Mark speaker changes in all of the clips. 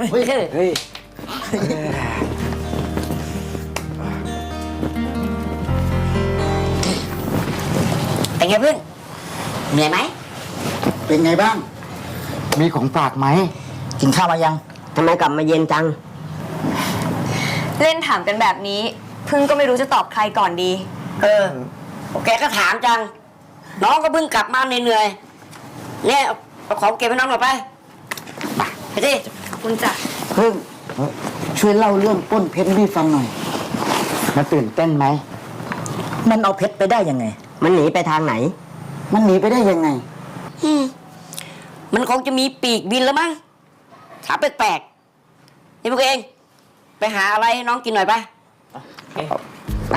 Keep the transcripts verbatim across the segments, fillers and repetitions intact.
Speaker 1: เฮ้ยเฮ้ยเป็นไงเพื่อนเหนื่อยไหมเป็นไงบ้างมีของฝากไหมกินข้าวมายังทำไมกลับมาเย็นจัง
Speaker 2: เล่นถามกันแบบนี้พึ่งก็ไม่รู้จะตอบใครก่อนดี
Speaker 1: เออแกก็ถามจังน้องก็เพิ่งกลับมาเหนื่อยๆเนี่ยเอาของเก็บให้น้องหน่อยไปไปสิ
Speaker 2: คุณจ่ะ
Speaker 1: พึ่งช่วยเล่าเรื่องป้นเพชรให้ฟังหน่อยมันตื่นเต้นไหมมันเอาเพชรไปได้ยังไงมันหนีไปทางไหนมันหนีไปได้ยังไงมันคงจะมีปีกบินแล้วมั้งถามแปลกๆนี่พวกเองไปหาอะไรให้น้องกินหน่อยไปไป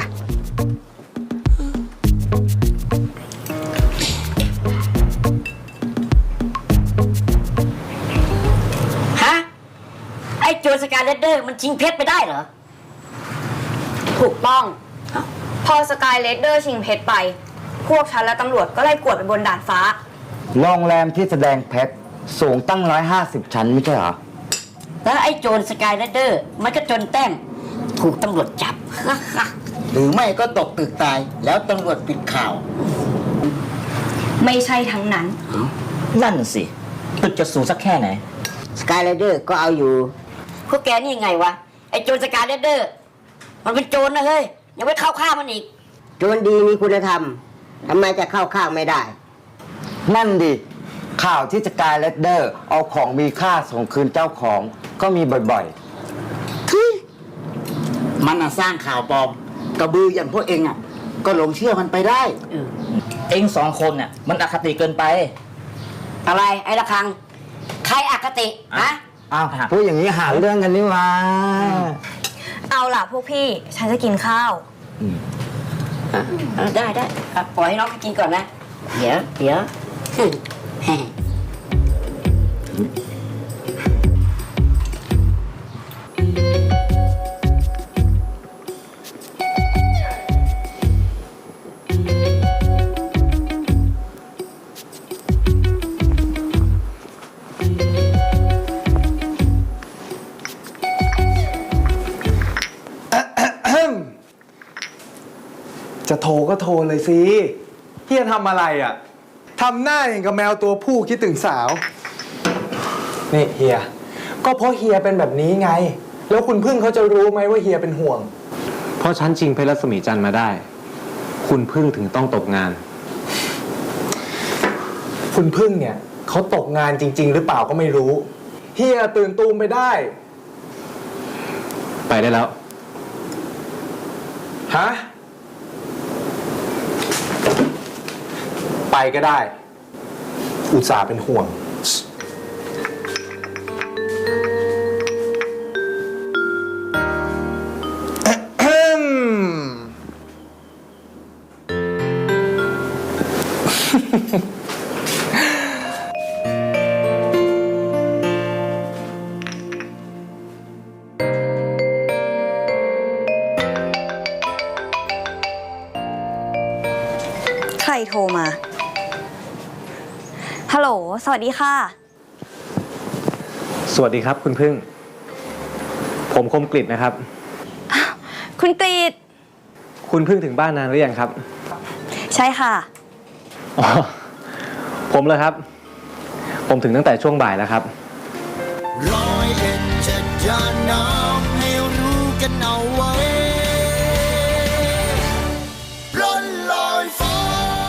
Speaker 1: ฮะไอ้โจรสกาเลดเดอร์มันชิงเพชรไปได้เหรอ
Speaker 2: ถูกต้องพอสกายเลดเดอร์ชิงเพชรไปพวกฉันและตำรวจก็ไล่กวดไปบนดาดฟ้า
Speaker 3: โรงแรมที่แสดงเพชรสูงตั้งร้อยห้าสิบชั้นไม่ใช่เหรอ
Speaker 1: แล้วไอ้โจรสกายเลดเดอร์มันก็จนแต้มถูกตำรวจจับ หรือไม่ก็ตกตึกตายแล้วตำรวจปิดข่าว
Speaker 2: ไม่ใช่ทั้งนั้น
Speaker 4: นั่นสิตึกจะสูงสักแค่ไหน
Speaker 1: สกายเลดเดอร์ก็เอาอยู่พวกแกนี่ยังไงวะไอ้โจรสกายเลดเดอร์มันเป็นโจรนะเฮ้ยยังไม่เข้าข้างมันอีกโจรดีมีคุณธรรมทำไมจะเข้าข้างไม่ได้
Speaker 3: นั่นดิข่าวที่สกายเลดเดอร์เอาของมีค่าส่งคืนเจ้าของก็มีบ่อย
Speaker 1: ๆมันสร้างข่าวปลอมกระบืออย่างพวกเองอ่ะก็หลงเชื่อมันไปได้
Speaker 4: เองสองคนน่ะมันอคติเกินไป
Speaker 1: อะไรไอ้ละคังใครอคติฮะ
Speaker 3: อ้าวพูดอย่างนี้หาเรื่องกันนี่มา
Speaker 2: เอาล่ะพวกพี่ฉันจะกินข้าว
Speaker 1: ได้ได้ปล่อยให้น้องไปกินก่อนนะเดี๋ยวเดี๋ยว
Speaker 5: จะโทรก็โทรเลยสิเฮียทำอะไรอ่ะทำหน้าอย่างกับแมวตัวผู้คิดถึงสาวนี่เฮียก็เพราะเฮียเป็นแบบนี้ไงแล้วคุณพึ่งเขาจะรู้ไหมว่าเฮียเป็นห่วง
Speaker 6: เพราะฉันชิงเพชรรัศมีจันทร์มาได้คุณพึ่งถึงต้องตกงาน
Speaker 5: คุณพึ่งเนี่ยเขาตกงานจริงๆหรือเปล่าก็ไม่รู้เฮียตื่นตูมไปได้
Speaker 6: ไปได้แล้ว
Speaker 5: ฮะไปก็ได้อุตส่าห์เป็นห่วง
Speaker 2: ใครโทรมาฮัลโหลสวัสดีค่ะ
Speaker 6: สวัสดีครับคุณพึ่งผมคมกฤษนะครับ
Speaker 2: คุณกฤษ
Speaker 6: คุณพึ่งถึงบ้านนานหรือยังครับ
Speaker 2: ใช่ค่ะ
Speaker 6: อ๋อผมเลยครับผมถึงตั้งแต่ช่วงบ่ายแล้วครับ
Speaker 7: ร้อยเอ็ดจะจะน้ำให้รู้กันเอาไว้